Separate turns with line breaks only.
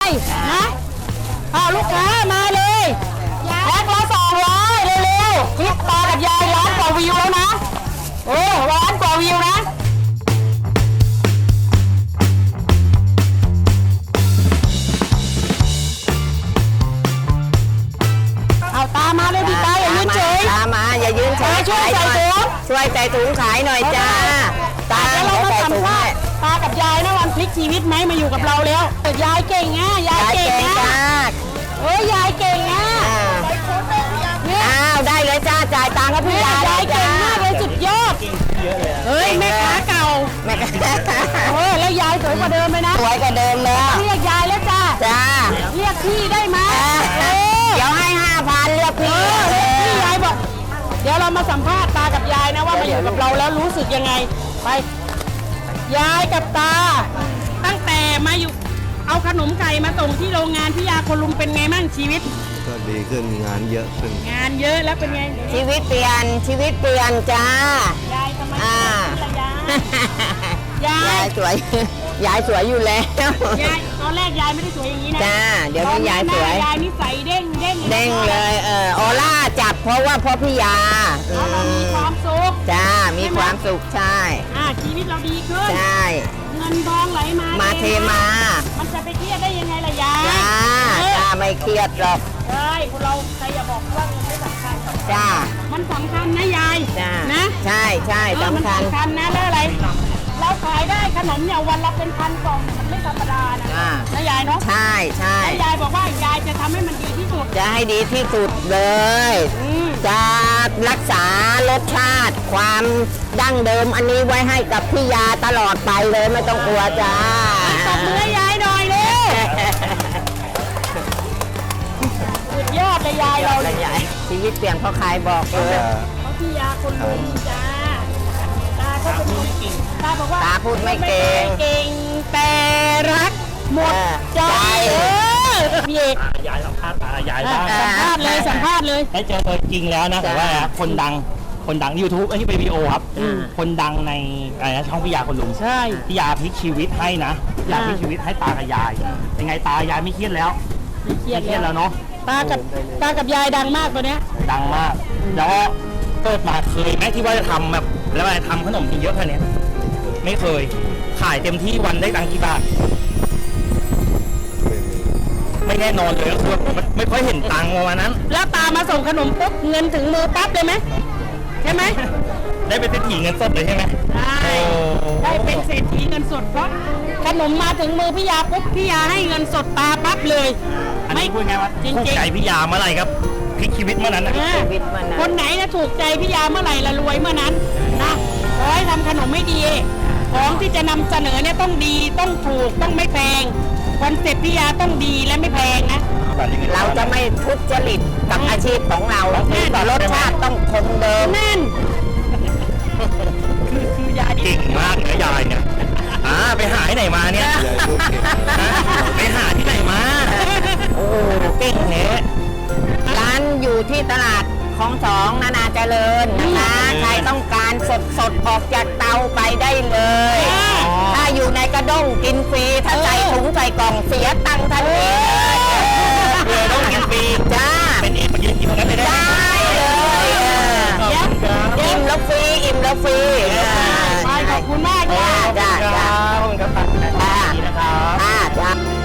นะลูกค้ามาเลยแพ็คละ200เร็วๆคลิปตากับยายล้านกว่าวิวแล้วนะล้านกว่าวิวนะเอาตามาเลยพี่ตาอย่ายืนเฉย
ตามาอย่ายืนเฉย
ช่วยใส่ถุง
ช่วยใส่ถุงขายหน่อยจ้าตา
เรามาสัมภาษณ์ตากับยายนะวันพลิกชีวิตไหมมาอยู่กับเราแล้วยายเก่งนะยายเก่งนะยายเก่งนะ
ได้เลยจ้าจ่ายตังค์กับพี่ยาย
เก่งมากเลยสุดยอดแม่ค้าเก่าแล้วยายสวยกว่าเดิมไหมนะ
สวยกว่าเดิมแล้ว
เรียกยายแล้วจ้าเรียกพี่ได้ไหม
เดี๋ยวให้5,000เรียกพี่
ยายบอกเดี๋ยวเรามาสัมภาษณ์ตากับยายนะว่ามาอยู่กับเราแล้วรู้สึกยังไงไปยายกับตาตั้งแต่มาอยู่เอาขนมไก่มาส่งที่โรงงานพี่ยาคนลุงเป็นไงมั่งชีวิต
ก็ดีขึ้นงานเยอะขึ้น
งานเยอะแล้วเป็นไง
ชีวิตเปลี่ยนจ้าย
ายทำไมย
ายสวยยายสวยอยู่แล้ว
ยายตอนแรกยายไม่ได้สวยอย่างนี้นะ
จ้าเดี๋ยวนี้ยายสวย
ยายนิสัยเด้ง
เลยออร่าจับเพราะว่าพ่อพี่ยา
เรามีความสุข
จ้ามีความสุขใช่
ชีวิตเราดีขึ้น
ใช่
เงินทองไหลมา
เทมา
มันจะไปเครียดได้ยังไงล่ะยาย
จ้าไม่เครียดหรอก
ใช่เราใครอย่าบอกว่าเงินไม่สำคัญ
จ้า
มันสำคัญนะยายนะ
ใช่สำคัญ
นะแล้วอะไรเราขายได้ขนมเนี่ยวันละเป็นพันกล่องมันไม่ธรรมดานะยายเนาะ
ใช่
ยายบอกว่ายายจะทำให้มันดีที่สุด
จะให้ดีที่สุดเลยจะรักษารสชาติความดั้งเดิมอันนี้ไว้ให้กับพี่ยาตลอดไปเลยไม่ต้องกลัวจ้า
ตบมือยายหน่อยเลยสุดยอดเลยยายเราเลย
ชีวิตเปลี่ยนเพราะใครบอกเลย
เพราะพี่ยาคนลุงจ้าตาก็เป็นคนเก่งตาบอกว่า
ตาพูดไม่เก่
งแต่รักหมดใจพี่เอก
ยายสัมภาษณ์ยายบ้าง
สัมภาษณ์เลย
ได้เจอตัวจริงแล้วนะแต่ว่าคนดังYouTube อันนี้เป็นวิดีโอครับคนดังในช่องพี่ยาคนลุง
ใช่
พี่ยาพลิกชีวิตให้นะอยากพลิกชีวิตให้ตากับยายยังไงตายายไม่เครียดแล้ว
ไม่เครียด
แล้วเนาะ
ตากับยายดังมากตัวเนี้ย
ดังมากแล้วเกิดมาเคยไหมที่ว่าจะทำแบบแล้วอะไรทำขนมกินเยอะขนาดนี้ไม่เคยขายเต็มที่วันได้ตังกี่บาทไม่แน่นอนเลยก็คือไม่ค่อยเห็นตังค์วันนั้น
แล้วตามาส่งขนมปุ๊บเงินถึงมือปั๊บเลยไหมใช่ไหม
ได้เป็นเศรษฐีเงินสดเลยใช่ไหม
ได้เป็นเศรษฐีเงินสดเพราะขนมมาถึงมือพี่ยาปุ๊บพี่ยาให้เงินสดตาปั๊บเลย
อันนี้พูดไงวะถูกใจพี่ยาเมื่อไหร่ครับพลิกชีวิตเมื่อนั้นนะ
คนไหนนะถูกใจพี่ยาเมื่อไหร่ละรวยเมื่อนั้นนะขอให้ทำขนมไม่ดีของที่จะนำเสนอเนี่ยต้องดีต้องถูกต้องไม่แพงคอนเซ็ปต์พี่ยาต้องดีและไม่แพงนะ
เราจะไม่ทุจริตกับอาชีพของเราแต่รสชาติต้องคงเดิม
นั่นคือยา
เก่งมากเลยยายเนี่ยไปหาที่ไหนมาเนี่ยไปหาที่ไหนมาโอ้เก่งเนี่ย
ร้านอยู่ที่ตลาดของ2นานาเจริญนะคะใครต้องการสดออกจากเตาไปได้เลยถ้าอยู่ในกระด้งกินฟรีถ้าใส่ถุงใส่กล่องเสียตังค์ทันที
เลยต้องกินฟรี
จ้า
เป็นเองมายืนกินตรงนั้นได้
เลยอิ่มแล้วฟรี
ขอบคุณมาก
จ้า
ขอบคุณครับ